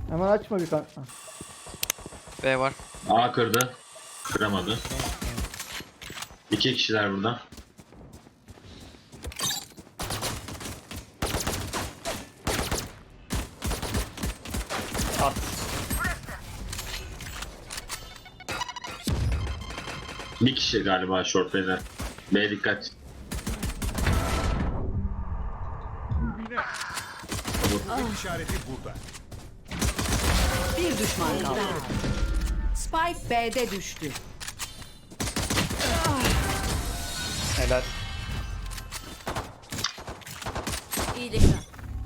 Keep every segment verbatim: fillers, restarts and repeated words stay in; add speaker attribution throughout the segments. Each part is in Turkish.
Speaker 1: Hemen açma bir kanka.
Speaker 2: B var.
Speaker 3: A kırdı. Kıramadı. İki kişiler burada.
Speaker 4: At.
Speaker 3: Bir kişi galiba short beyler. B dikkat.
Speaker 5: Kuvvet işareti burada.
Speaker 6: Bir düşman kaldı. Spike B'de düştü.
Speaker 4: Helal.
Speaker 6: İyilikler.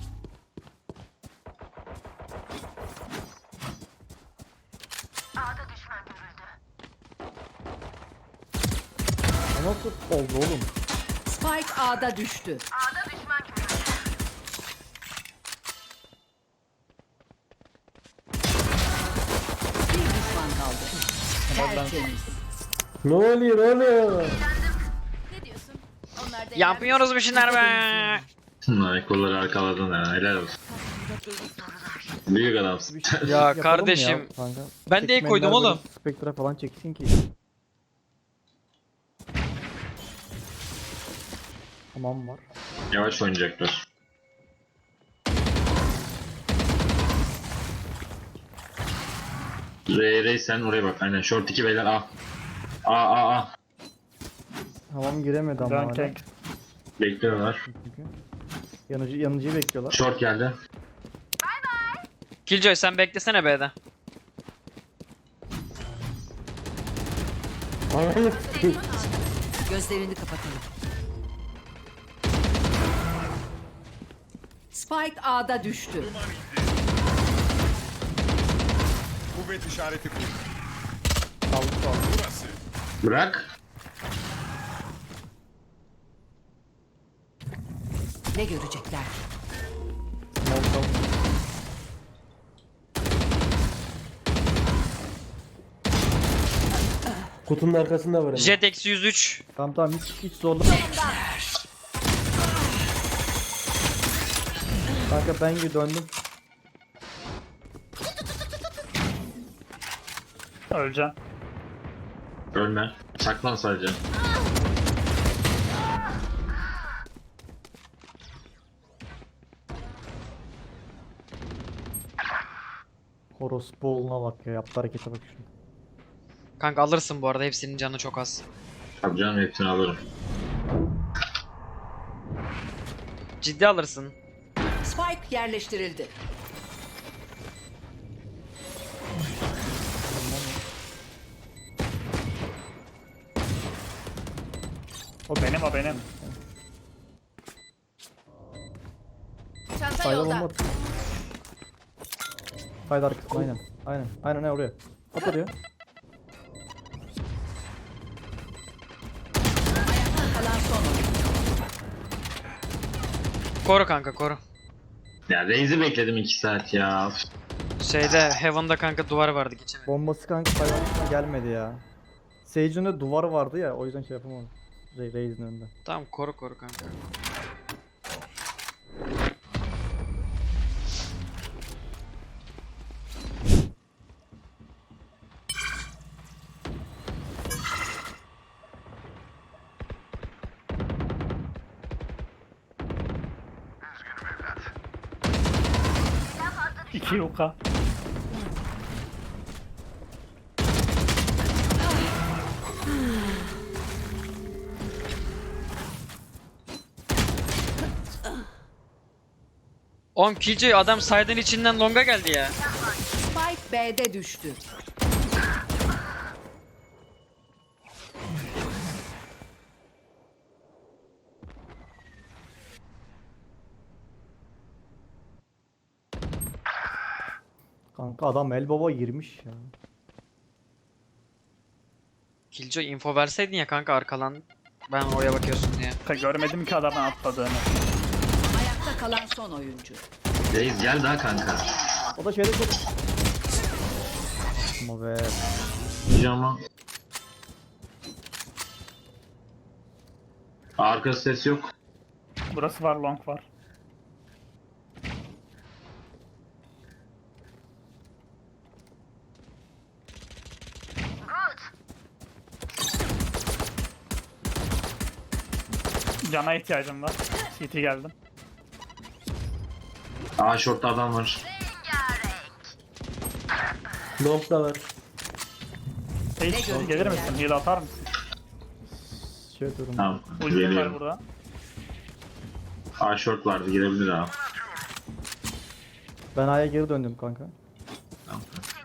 Speaker 1: O nasıl oldu oğlum?
Speaker 6: Spike A'da düştü. Bir düşman kaldı. Tertemiz.
Speaker 1: Ne oluyor oğlum?
Speaker 7: Ne diyorsun? Onlar da
Speaker 2: Yapmıyoruz bir şeyler be.
Speaker 3: Ay kolları arkaladın ha. Helal olsun. Büyük adamsın.
Speaker 1: Bir şey
Speaker 2: Ya
Speaker 1: yapalım mı
Speaker 2: kardeşim,
Speaker 1: ya kanka?
Speaker 2: ben de iyi koydum
Speaker 1: Çekmenler
Speaker 2: oğlum.
Speaker 1: böyle Spectre falan çeksin ki. Tamam var.
Speaker 3: Yavaş oynayacaklar. Ray Ray sen oraya bak. Aynen short iki beyler A. A A A.
Speaker 1: Tamam giremedi ama
Speaker 4: Dön
Speaker 1: hala.
Speaker 4: kek.
Speaker 3: Bekliyorlar.
Speaker 1: Çünkü. Yanıcı, yanıcıyı bekliyorlar.
Speaker 3: Short geldi.
Speaker 2: Killjoy sen beklesene B'de.
Speaker 6: Gözlerini kapatalım. Spike A'da düştü.
Speaker 5: Kuvvet işareti burada.
Speaker 1: Kaldı kaldı.
Speaker 5: Burası.
Speaker 3: Bırak.
Speaker 6: Ne görecekler?
Speaker 1: Molotov.
Speaker 8: Kutunun arkasında var hemen.
Speaker 2: Jet eksi yüz üç.
Speaker 1: Tamam tamam hiç hiç zorla. Kanka ben gibi döndüm.
Speaker 4: Öleceğim.
Speaker 3: Ölme. Saklan sadece.
Speaker 1: Horospu oğluna bak ya, yaptı harekete bak şunu.
Speaker 2: Kanka alırsın bu arada, hepsinin canı çok az.
Speaker 3: Tabii canım hepsini alırım.
Speaker 2: Ciddi alırsın.
Speaker 6: Spike yerleştirildi.
Speaker 4: O benim o benim.
Speaker 7: Çanta
Speaker 1: Sayda
Speaker 7: yolda.
Speaker 1: bomba at. Sayda arkasına aynen. Aynen. Aynen ne oraya. At oraya.
Speaker 6: Kalan son oyun.
Speaker 2: Koru kanka koru.
Speaker 3: Ya Raze'i bekledim iki saat ya.
Speaker 2: Şeyde Heaven'da kanka duvar vardı, geçemedim.
Speaker 1: Bombası kanka sayda arkasına gelmedi ya. Sage'in de duvar vardı ya, o yüzden şey yapamadım. Ray Raze'in önünde.
Speaker 2: Tamam koru koru kanka.
Speaker 4: İki yuka.
Speaker 2: Oğlum Killjoy adam side'ın içinden longa geldi ya.
Speaker 6: Spike B'de düştü.
Speaker 1: Kanka adam el baba girmiş ya.
Speaker 2: Killjoy info verseydin ya kanka arkalan. Ben oraya bakıyorsun diye.
Speaker 4: Ka- Görmedim ki adamın atladığını.
Speaker 6: Ayakta kalan son oyuncu.
Speaker 3: Raze gel daha kanka.
Speaker 1: O da şeyde çok... Ama be.
Speaker 3: Pijama. Arka ses yok.
Speaker 4: Burası var, long var. Cana ihtiyacım var. C T geldim.
Speaker 3: Aa shortta adam var.
Speaker 8: Long da var.
Speaker 4: Hiç
Speaker 6: görecekler?
Speaker 4: gelir misin? Heal atar mısın?
Speaker 1: Şey yapıyorum.
Speaker 3: Tamam.
Speaker 4: Ultim var
Speaker 3: Geliyorum.
Speaker 4: burada.
Speaker 3: Aa short vardı girebilir abi.
Speaker 1: Ben A'ya geri döndüm kanka.
Speaker 3: Tamam.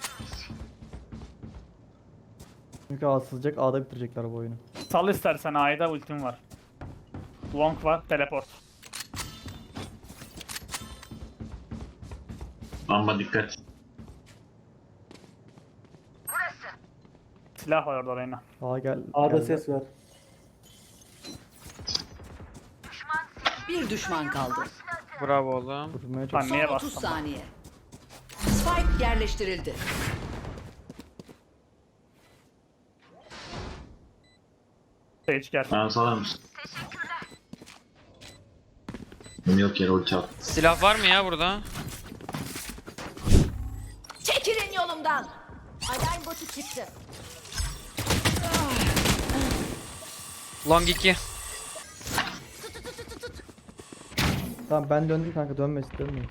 Speaker 1: Çünkü A sızacak, A'da bitirecekler bu oyunu.
Speaker 4: Sal istersen A'da ultim var. Long var, teleport.
Speaker 3: Ama dikkat.
Speaker 4: Silah var orada Reyna.
Speaker 1: A gel.
Speaker 8: A'da
Speaker 1: geldi.
Speaker 8: ses var.
Speaker 6: Bir düşman kaldı.
Speaker 2: Bravo oğlum.
Speaker 1: Vurmaya çok.
Speaker 4: Ben
Speaker 6: Son
Speaker 4: niye
Speaker 6: otuz
Speaker 4: bastım?
Speaker 6: saniye. Spike yerleştirildi.
Speaker 4: Sage gel.
Speaker 3: Bana salar mısın? Yok yere ulti at.
Speaker 2: Silah var mı ya burada?
Speaker 7: Çekilin yolumdan. Alarm botu çıktı.
Speaker 2: Long iki.
Speaker 1: Tamam ben döndüm kanka, dönmesin dönmeyin.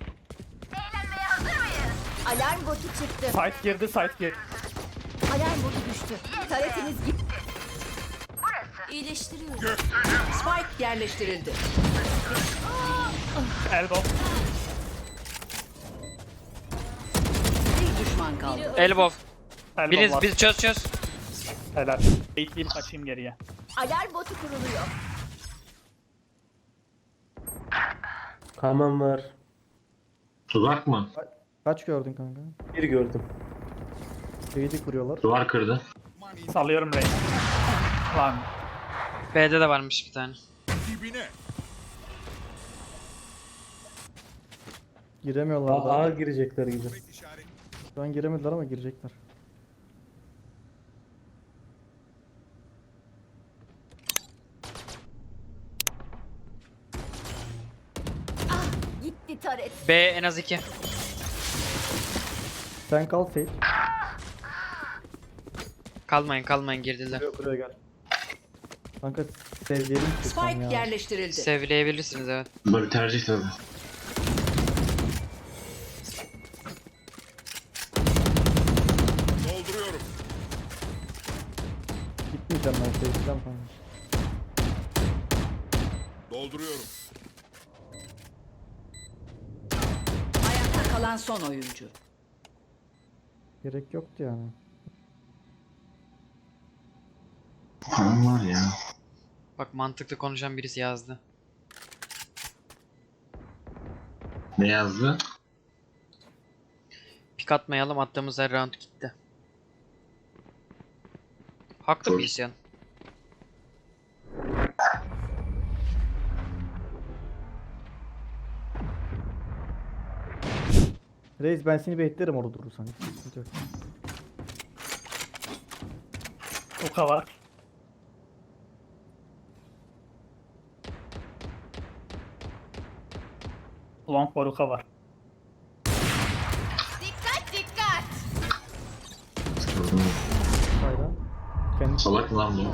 Speaker 7: Alarm botu çıktı.
Speaker 4: Site girdi, site girdi.
Speaker 7: Alarm botu düştü. Taretiniz gitti. İyileştiriyorum.
Speaker 6: Spike yerleştirildi.
Speaker 4: Elbow.
Speaker 6: Bir düşman kaldı.
Speaker 2: Elbow.
Speaker 4: Elbow
Speaker 2: Biriniz
Speaker 4: var.
Speaker 2: bir çöz çöz.
Speaker 4: Helal. Eğitleyip kaçayım geriye.
Speaker 7: Alarm botu kuruluyor.
Speaker 8: Kaman var.
Speaker 3: Tuzak mı?
Speaker 1: Kaç gördün kanka?
Speaker 8: Bir gördüm.
Speaker 1: Şeyi kuruyorlar.
Speaker 3: Duvar kırdı.
Speaker 4: Salıyorum Reyna. Lan.
Speaker 2: B'de de varmış bir tane.
Speaker 5: Dibine.
Speaker 1: Giremiyorlar
Speaker 8: A,
Speaker 1: da.
Speaker 8: A girecekler gibi.
Speaker 5: Kuvvet işareti.
Speaker 1: Şu an giremediler ama girecekler.
Speaker 7: Gitti taret.
Speaker 2: B en az iki.
Speaker 1: Sen kal Sage.
Speaker 2: Kalmayın kalmayın girdiler.
Speaker 1: Buraya, buraya gel. Kanka sevgilim
Speaker 6: Spike
Speaker 1: ya.
Speaker 6: yerleştirildi.
Speaker 2: Sevleyebilirsiniz evet.
Speaker 3: Bu bir tercih tabii.
Speaker 5: Dolduruyorum.
Speaker 1: Gitmeyeceğim ben, seveceğim kanka.
Speaker 5: Dolduruyorum.
Speaker 6: Ayakta kalan son oyuncu.
Speaker 1: Gerek yoktu yani.
Speaker 3: Param var ya.
Speaker 2: Bak mantıklı konuşan birisi yazdı.
Speaker 3: Ne yazdı?
Speaker 2: Pik atmayalım, attığımız her round gitti. Haklı
Speaker 3: Doğru.
Speaker 2: bir isyan.
Speaker 1: Reis ben seni beklerim orada durursan. Hiç sıkıntı yok.
Speaker 4: Uka var. Long var, Uka var.
Speaker 7: Dikkat dikkat.
Speaker 1: Sayda. Kendi
Speaker 3: Salak mı lan bu?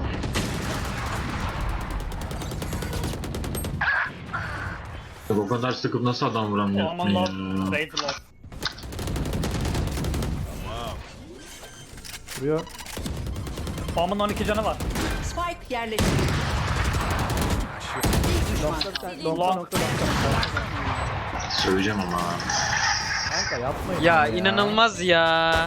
Speaker 3: Ya o kadar sıkıp nasıl adam vuramıyor?
Speaker 4: Aman long. Raid long.
Speaker 1: vuruyor.
Speaker 4: Omen on iki canı var.
Speaker 6: Spike yerleştirildi. Bir düşman kaldı.
Speaker 4: Long.
Speaker 3: Söyleyeceğim ama.
Speaker 1: Kanka yapmayın.
Speaker 2: Ya
Speaker 1: bunu
Speaker 2: inanılmaz ya.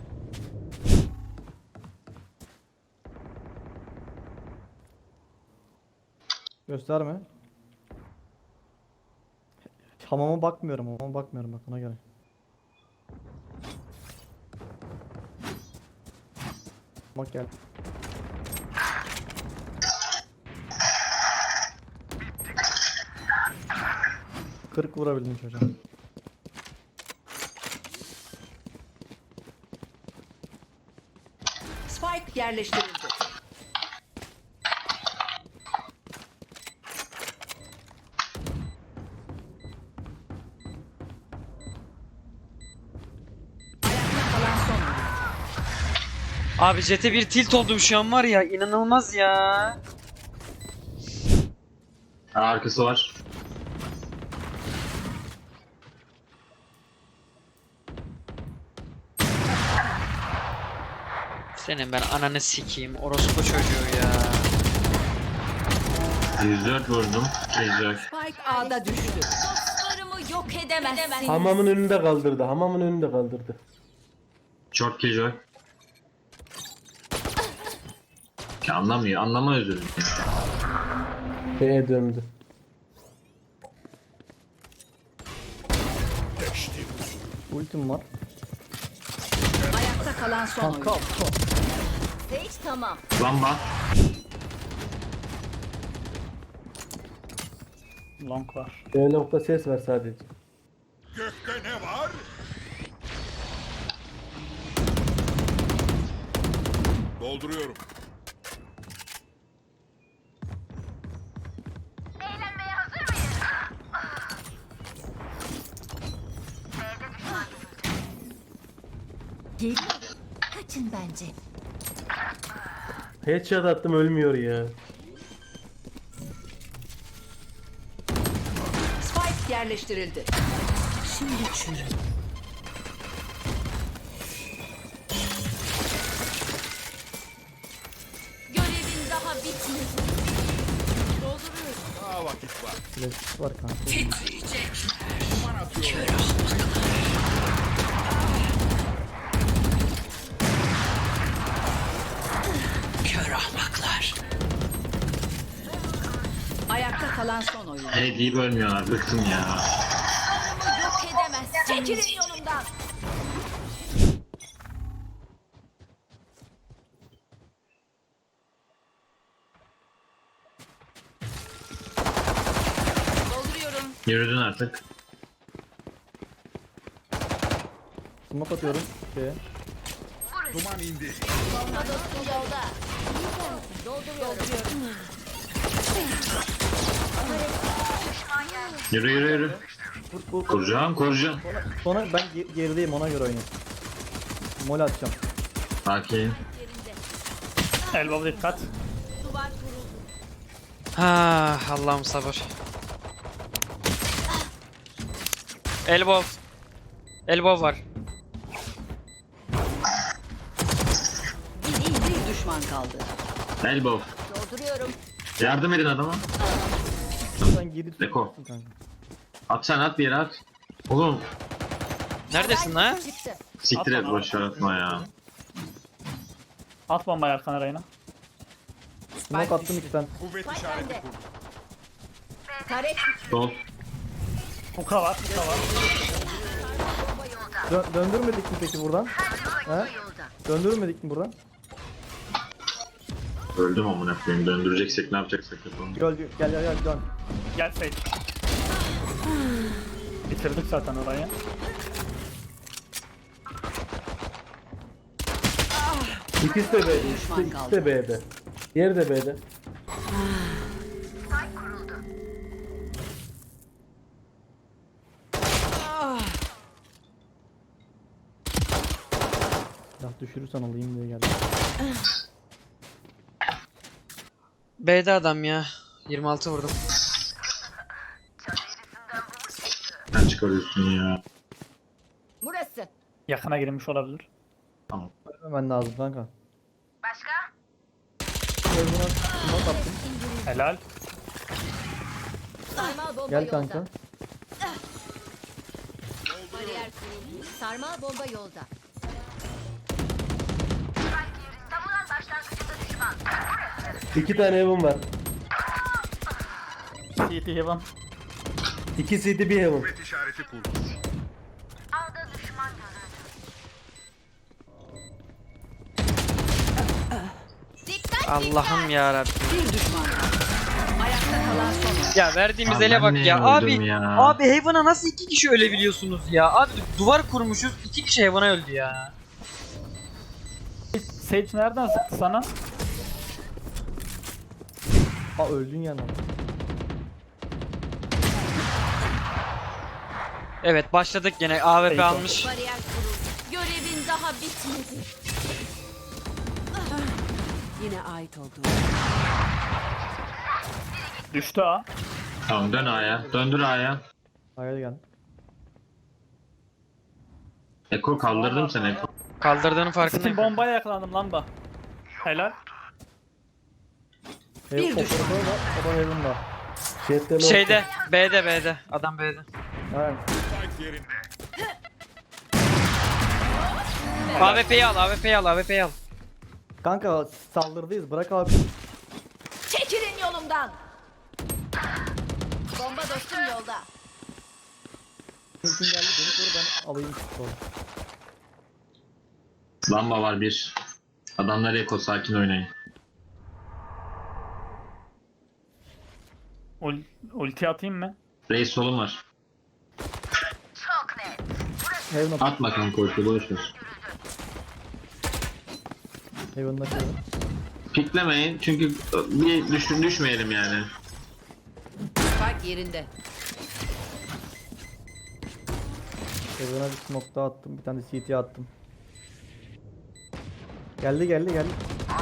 Speaker 1: Gösterme. Hamama bakmıyorum, hamama bakmıyorum bak ona göre. Bak gel. kırk vurabildim çocuğa.
Speaker 6: Spike yerleştirildi. Ayakta kalan son oyuncu.
Speaker 2: Abi Jet'e bir tilt oldum şu an var ya, inanılmaz ya.
Speaker 3: Ha, arkası var.
Speaker 2: Senin ben ananı sikeyim. Orospu çocuğu ya.
Speaker 3: yüz dört vurdum. Killjoy.
Speaker 6: Spike A'da düştü.
Speaker 7: Dostlarımı yok edemezsin.
Speaker 8: Hamamın önünde kaldırdı. Hamamın önünde kaldırdı.
Speaker 3: Çok Killjoy. Ki anlamıyor. Anlama özürüm ya.
Speaker 8: B'ye döndü.
Speaker 1: Ultim var.
Speaker 6: Ayakta kalan son
Speaker 1: Kanka.
Speaker 6: oyuncu.
Speaker 7: Sage tamam.
Speaker 3: Lamba.
Speaker 4: Long var.
Speaker 8: B nokta ses var sadece.
Speaker 5: Gökte ne var? Dolduruyorum.
Speaker 7: Gelin. Kaçın bence.
Speaker 8: Headshot attım ölmüyor ya.
Speaker 6: Spike yerleştirildi. Şimdi çürü.
Speaker 7: Görevin daha bitmedi. Dolduruyorum.
Speaker 5: Daha vakit var.
Speaker 1: Flash var kanka.
Speaker 5: Duman atıyorum.
Speaker 6: Kör ahmaklar. Ayakta kalan son oyuncu.
Speaker 3: Hey deyip ölmüyorlar. Bıktım ya.
Speaker 7: Dostlarımı yok edemezsin. Çekilin yolumdan. Dolduruyorum.
Speaker 3: Yürüdün artık.
Speaker 1: Smoke atıyorum. Şeye.
Speaker 5: Duman indi.
Speaker 7: Bomba dostum yolda. Dolduruyorum.
Speaker 3: Yürü yürü yürü.
Speaker 1: Vur, vur, vur.
Speaker 3: Kuracağım kuracağım.
Speaker 1: Sonra ben ge- gerideyim ona göre oynayayım. Mol atacağım.
Speaker 3: Sakin.
Speaker 4: Elbow dikkat.
Speaker 7: Duvar kuruldu.
Speaker 2: Ah Allah'ım sabır. Elbow. Elbow var.
Speaker 6: Bir düşman kaldı.
Speaker 3: Elbow.
Speaker 7: Dolduruyorum.
Speaker 3: Yardım edin adama.
Speaker 1: Sen geri
Speaker 3: Deko.
Speaker 1: tutuyorsun kanka.
Speaker 3: At sen at bir yere at. Oğlum
Speaker 2: Neredesin lan?
Speaker 7: Çıktı.
Speaker 3: siktir et
Speaker 4: Atma,
Speaker 3: boş ver atma ya.
Speaker 4: At bombayı arkana Reyna.
Speaker 1: Smoke attım iki tane.
Speaker 5: Kuvvet
Speaker 7: Spike
Speaker 5: işareti
Speaker 7: bende.
Speaker 5: kur.
Speaker 7: Taret.
Speaker 3: Sol.
Speaker 4: Hook'a var. Hook'a var.
Speaker 1: Dö- döndürmedik mi peki buradan? He? Döndürmedik mi buradan?
Speaker 3: Öldüm amına koyayım. Döndüreceksek ne yapacaksak yapalım.
Speaker 1: Gel gel gel gel dön.
Speaker 4: Gel Sage. Bitirdik zaten orayı.
Speaker 8: İkisi de B'de. İkisi,
Speaker 6: Düşman
Speaker 8: ikisi
Speaker 6: kaldı.
Speaker 8: de B'de. Diğeri de B'de.
Speaker 1: Ya düşürürsen alayım diye geldim.
Speaker 2: B'de adam ya. yirmi altı vurdum.
Speaker 3: Sen çıkarıyorsun ya.
Speaker 7: Burası.
Speaker 4: Yakına girmiş olabilir.
Speaker 1: Hemen lazım kanka. Başka? Smoke attım.
Speaker 4: Helal.
Speaker 7: Sarmal bomba
Speaker 1: Gel
Speaker 7: yolda.
Speaker 1: kanka.
Speaker 7: Bariyer kuruldu. Sarmal bomba yolda.
Speaker 8: İki tane Heaven var.
Speaker 4: C T Heaven.
Speaker 8: İki C D bir Heaven.
Speaker 5: Kuvvet işareti kur.
Speaker 7: Dikkat
Speaker 2: Allah'ım ya Rabbim.
Speaker 6: Bir düşman kaldı. Ayakta kalan son oyuncu.
Speaker 2: Ya verdiğimiz
Speaker 3: Abi
Speaker 2: ele
Speaker 3: ben
Speaker 2: bak
Speaker 3: niye
Speaker 2: ya.
Speaker 3: öldüm
Speaker 2: Abi
Speaker 3: ya?
Speaker 2: abi Heaven'a nasıl iki kişi ölebiliyorsunuz ya? Abi duvar kurmuşuz, iki kişi Heaven'a öldü ya.
Speaker 4: Sage nereden sıktı sana?
Speaker 1: Ha öldün ya lan.
Speaker 2: Evet başladık gene. A W P
Speaker 4: Peki.
Speaker 2: almış.
Speaker 7: Bariyer kuruldu. Görevin daha bitmedi.
Speaker 6: Yine ait olduğu.
Speaker 4: Düştü ha.
Speaker 3: Tamam dön A'ya. Döndür A'ya.
Speaker 1: Hayal gel.
Speaker 3: Eko kaldırdım seni Eko.
Speaker 2: Kaldırdığının
Speaker 4: Skin
Speaker 2: farkındayım.
Speaker 4: bombaya yakalandım lamba. Helal.
Speaker 1: Hev
Speaker 6: Bir düşman.
Speaker 1: operatör var. O da Heaven'da.
Speaker 8: Jet'te ne
Speaker 2: Şeyde B'de B'de. Adam B'de.
Speaker 1: Evet.
Speaker 5: Spike yerinde.
Speaker 2: A W P'yi al A W P'yi al A W P'yi al.
Speaker 1: Kanka saldırdıyız. Bırak abi.
Speaker 7: Çekilin yolumdan. Bomba dostum yolda.
Speaker 1: Ultin geldi. Beni koru ben alayım. Sonra.
Speaker 3: Lamba var bir. Adamlar Eko sakin oynayın.
Speaker 4: Ul ulti atayım mı?
Speaker 3: Reis solun var.
Speaker 1: Heaven'a
Speaker 3: Atma kanka ulti boş ver.
Speaker 1: Heaven'da şey var.
Speaker 3: Piklemeyin çünkü bir düş düşmeyelim yani.
Speaker 6: Spike yerinde.
Speaker 1: Heaven'a bir smoke daha attım. Bir tane C T attım. Geldi geldi geldi.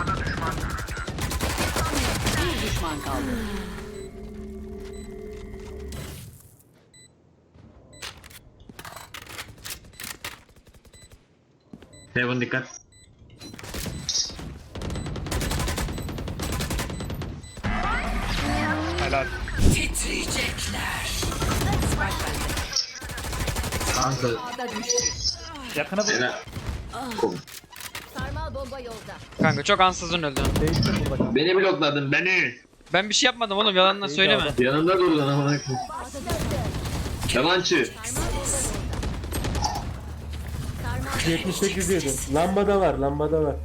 Speaker 6: Bir düşman kaldı.
Speaker 3: Heaven dikkat.
Speaker 4: Helal.
Speaker 6: Titriyecekler. Spike bende.
Speaker 3: Kanka.
Speaker 6: A'da düştü.
Speaker 4: Yakını vur.
Speaker 3: Helal.
Speaker 7: Sarmal bomba yolda.
Speaker 2: Kanka çok ansızın öldün.
Speaker 1: Değiştim burada kanka.
Speaker 3: Beni blokladın beni.
Speaker 2: Ben bir şey yapmadım oğlum yalandan
Speaker 1: İyi
Speaker 2: söyleme.
Speaker 1: kaldı.
Speaker 3: Yanında dur lan amına koyayım. Yalancı.
Speaker 8: yetmiş sekiz yedi. Lambada var, lambada var.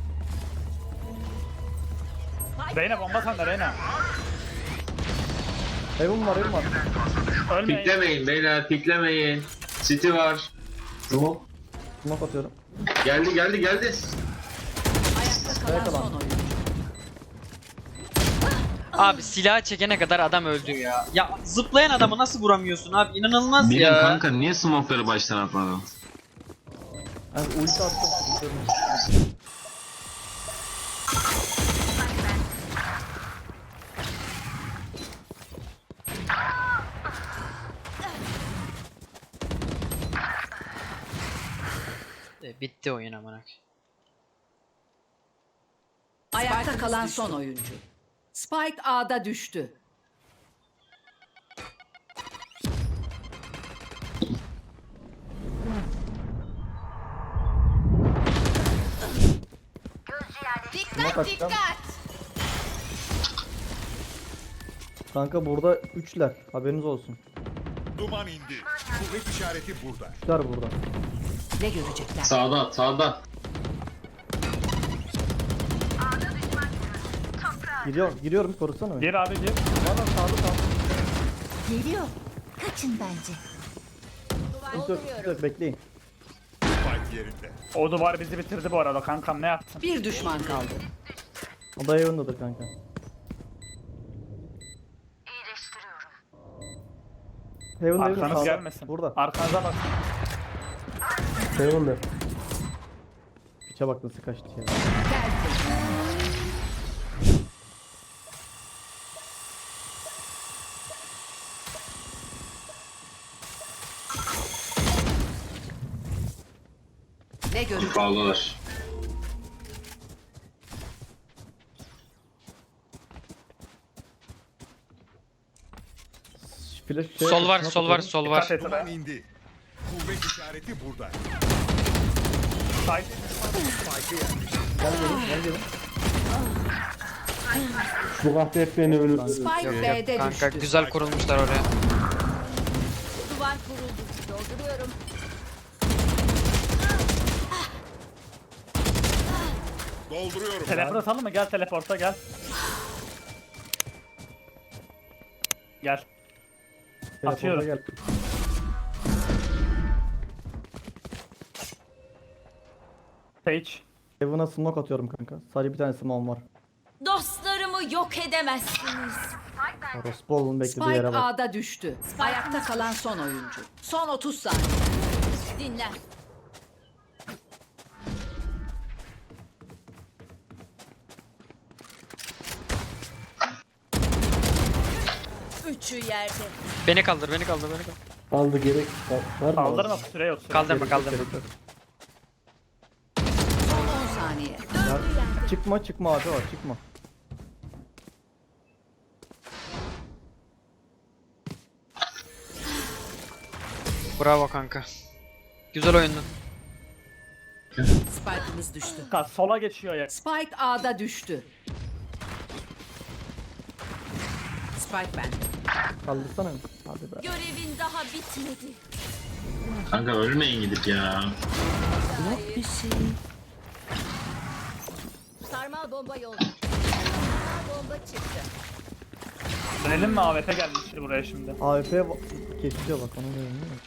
Speaker 4: Reyna bomba sende Reyna.
Speaker 1: Heaven var Heaven var.
Speaker 4: Ölmeyin.
Speaker 3: Piklemeyin beyler piklemeyin. City var. Tamam.
Speaker 1: Smoke atıyorum.
Speaker 3: Geldi geldi geldi.
Speaker 6: Ayakta kalan
Speaker 1: Ayakta
Speaker 6: son
Speaker 1: lan.
Speaker 6: oyuncu.
Speaker 2: Abi silah çekene kadar adam öldü ya. Ya zıplayan adamı nasıl vuramıyorsun abi inanılmaz
Speaker 3: Benim
Speaker 2: ya.
Speaker 3: kanka niye smoke'ları baştan atmadın?
Speaker 1: Yani ulti attım.
Speaker 2: E, bitti oyun amına.
Speaker 6: Ayakta kalan son oyuncu. Spike A'da düştü.
Speaker 1: Smoke atacağım. Kanka burada üçler. Haberiniz olsun.
Speaker 5: Duman indi. Kuvvet işareti burada.
Speaker 1: Üçler burada.
Speaker 6: Ne görecekler?
Speaker 3: Sağda sağda.
Speaker 1: Giriyorum, giriyorum korusana beni.
Speaker 4: Gir abi gir.
Speaker 1: Valla sağda sağda.
Speaker 7: Geliyor. Kaçın bence.
Speaker 1: Yok, yok, yok, bekleyin.
Speaker 5: Spike yerinde.
Speaker 4: O duvar bizi bitirdi bu arada kankam ne yaptın?
Speaker 6: Bir düşman kaldı.
Speaker 1: O da Heaven'dadır kanka. Heaven Heaven
Speaker 4: Arkanız
Speaker 1: sağda.
Speaker 4: gelmesin.
Speaker 1: Burada.
Speaker 4: Arkanıza bak.
Speaker 8: Heaven'da.
Speaker 1: Piçe bak nasıl kaçtı ya.
Speaker 6: Ne görecekler?
Speaker 3: Bağlılar.
Speaker 1: Flash şey
Speaker 2: Sol var
Speaker 1: smoke
Speaker 2: sol var
Speaker 1: atıyorum.
Speaker 2: sol var.
Speaker 4: Dikkat et
Speaker 5: Duman
Speaker 4: be.
Speaker 5: indi. Kuvvet işareti burada.
Speaker 4: Side.
Speaker 1: Gel gelin gel gelin.
Speaker 8: Bu kahve hep beni ölür.
Speaker 6: Spike B'de
Speaker 2: Kanka
Speaker 6: düştü.
Speaker 2: güzel kurulmuşlar oraya.
Speaker 7: Duvar kuruldu. Dolduruyorum.
Speaker 5: Dolduruyorum.
Speaker 4: Teleport atalım mı? Gel teleporta gel. Gel.
Speaker 1: Telefonda
Speaker 4: Atıyorum.
Speaker 1: Gel.
Speaker 4: Sage.
Speaker 1: Heaven'a smoke atıyorum kanka. Sadece bir tane smoke'um var.
Speaker 7: Dostlarımı yok edemezsiniz.
Speaker 1: Orospu oğlum beklediği
Speaker 6: Spike
Speaker 1: yere bak.
Speaker 6: A'da düştü. Ayakta kalan son oyuncu. Son otuz saniye.
Speaker 7: Dinle. Üçü yerde.
Speaker 2: Beni kaldır, beni kaldır, beni kaldır.
Speaker 8: Aldı gerek var mı?
Speaker 4: Kaldırma süre yok. Süre.
Speaker 2: Kaldırma, kaldırma.
Speaker 6: Son on saniye.
Speaker 1: Ya, çıkma çıkma abi var çıkma.
Speaker 2: Bravo kanka. Güzel oyundu.
Speaker 6: Spike'ımız düştü.
Speaker 4: Ka- Sola geçiyor ya.
Speaker 6: Spike A'da düştü. Spike bende.
Speaker 1: Kaldırsana. Hadi be.
Speaker 7: Görevin daha bitmedi.
Speaker 3: Kanka ölmeyin gidip ya.
Speaker 7: Sarmal bomba yolda. Sarmal bomba çıktı.
Speaker 4: Dönelim mi? A W P gelmiştir buraya şimdi.
Speaker 1: A W P kesiyor bak onu görüyor musun?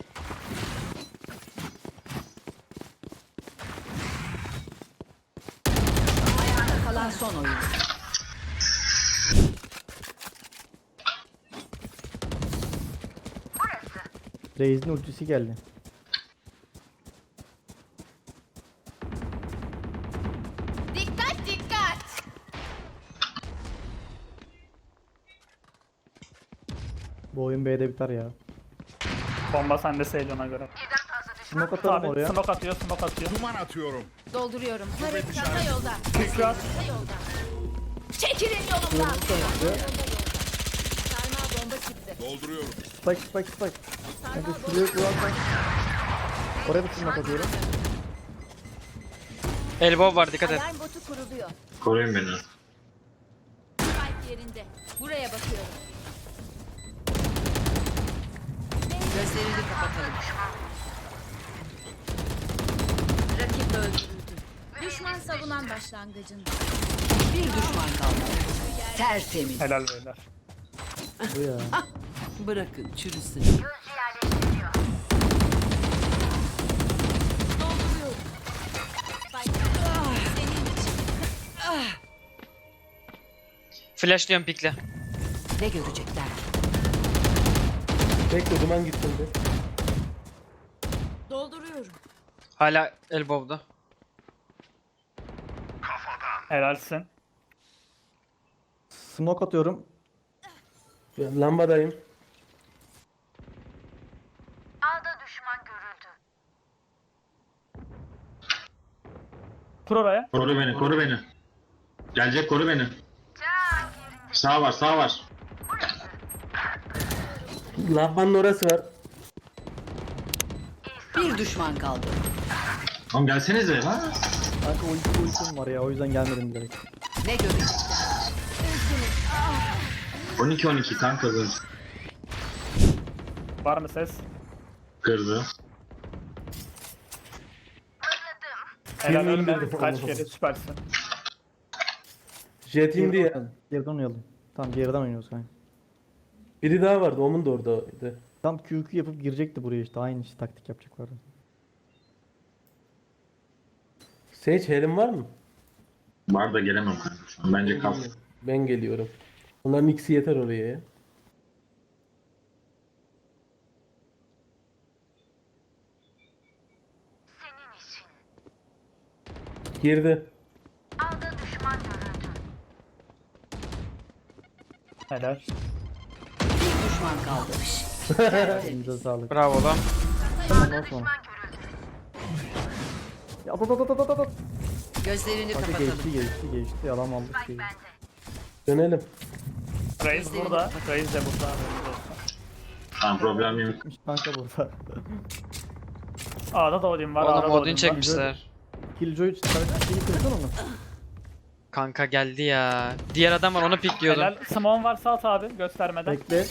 Speaker 6: Kalan son oyuncu.
Speaker 1: Reis'in ultisi geldi.
Speaker 7: Dikkat dikkat.
Speaker 1: Bu oyun B'de biter ya.
Speaker 4: Bomba sende Sage ona göre.
Speaker 1: Smoke atalım
Speaker 4: Abi
Speaker 1: oraya.
Speaker 4: smoke atıyor, smoke atıyor.
Speaker 5: Duman atıyorum.
Speaker 7: Dolduruyorum. Harita yolda.
Speaker 4: Tekrar.
Speaker 7: Harita yolda. Çekilin yolumdan. Sarmal bomba çıktı.
Speaker 5: Dolduruyorum.
Speaker 1: Spike spike spike. Hadi
Speaker 7: Sarmal
Speaker 1: şuraya
Speaker 7: bomba
Speaker 1: kurarsan. Oraya bir smoke atıyorum.
Speaker 2: Elbow var, dikkat et.
Speaker 7: Alarm botu kuruluyor.
Speaker 3: Koruyun beni.
Speaker 7: Spike yerinde. Buraya bakıyorum.
Speaker 6: Gözlerini kapatalım.
Speaker 7: Rakip öldürüldü. Düşman savunan başlangıcında.
Speaker 6: Bir düşman kaldı. Tertemiz.
Speaker 4: Helal beyler.
Speaker 1: Bu ya.
Speaker 6: Bırakın çürüsün.
Speaker 7: Dolduruyorum. Spike. Senin için.
Speaker 2: Flashlıyorum pikle.
Speaker 6: Ne görecekler?
Speaker 8: Bekle duman gitsin de.
Speaker 7: Dolduruyorum.
Speaker 2: Hala elbow'da.
Speaker 4: Helalsin.
Speaker 1: Smoke atıyorum.
Speaker 8: Ya, lambadayım.
Speaker 4: Kur oraya.
Speaker 3: Koru beni, koru beni. Gelecek, koru beni. Sağ var, sağ var.
Speaker 8: Lambanın orası var.
Speaker 6: Bir düşman kaldı.
Speaker 3: Oğlum gelsenize lan.
Speaker 1: Kanka ulti ultim var ya o yüzden gelmedim direkt.
Speaker 6: Ne görecekler?
Speaker 3: on iki on iki kanka kız.
Speaker 4: Var mı ses?
Speaker 3: Kırdı.
Speaker 4: Helal
Speaker 8: Birini
Speaker 4: ölme.
Speaker 8: indirdim.
Speaker 4: Kaç kere süpersin.
Speaker 8: Jet indi ya.
Speaker 1: oynayalım. Geriden oynayalım. Tamam geriden oynuyoruz kanka.
Speaker 8: Biri daha vardı. Onun da oradaydı.
Speaker 1: Tam Q Q yapıp girecekti buraya işte aynı işte taktik yapacaklardı.
Speaker 8: Sage helim var mı?
Speaker 3: Var da gelemem kanka şu an. Bence kal.
Speaker 8: Ben geliyorum. Onların ikisi yeter oraya ya. Girdi.
Speaker 4: Helal.
Speaker 6: Bir düşman kaldı.
Speaker 1: Elinize sağlık.
Speaker 2: Bravo lan.
Speaker 1: Ondan sonra. Ya at at at at at at.
Speaker 6: Gözlerini
Speaker 1: Kanka
Speaker 6: kapatalım.
Speaker 1: geçti geçti geçti yalan aldık şeyi.
Speaker 8: Dönelim.
Speaker 4: Reis burada. Reis de burada.
Speaker 3: Tamam problem yok.
Speaker 1: Gitmiş kanka burada.
Speaker 4: A'da da Odin var. A'da
Speaker 2: Oğlum
Speaker 4: da
Speaker 2: Odin
Speaker 4: Odin var.
Speaker 2: çekmişler.
Speaker 1: Killjoy şeyi kırsan onu.
Speaker 2: Kanka geldi ya. Diğer adam var, onu pikliyordum.
Speaker 4: Helal. Simon varsa at abi göstermeden.
Speaker 1: Bekle.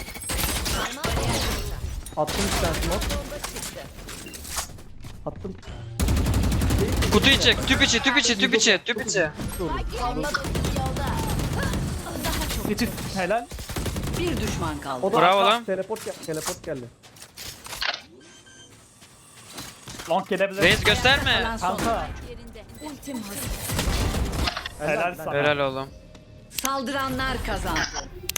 Speaker 1: Attım bir tane smoke. Attım.
Speaker 2: Kutu içi, tüp içi, tüp içi, tüp içi, tüp içi.
Speaker 7: Bomba dostum yolda.
Speaker 4: Titi. Helal.
Speaker 6: Bir düşman kaldı.
Speaker 1: O da
Speaker 2: Bravo
Speaker 1: arka-
Speaker 2: lan.
Speaker 1: Teleport gel teleport geldi.
Speaker 4: Long gelebilir.
Speaker 2: Reis gösterme.
Speaker 6: Kalan son.
Speaker 4: Kanka.
Speaker 7: Yerinde. Ultim hazır.
Speaker 4: Helal sana.
Speaker 2: Helal oğlum.
Speaker 6: Saldıranlar kazandı.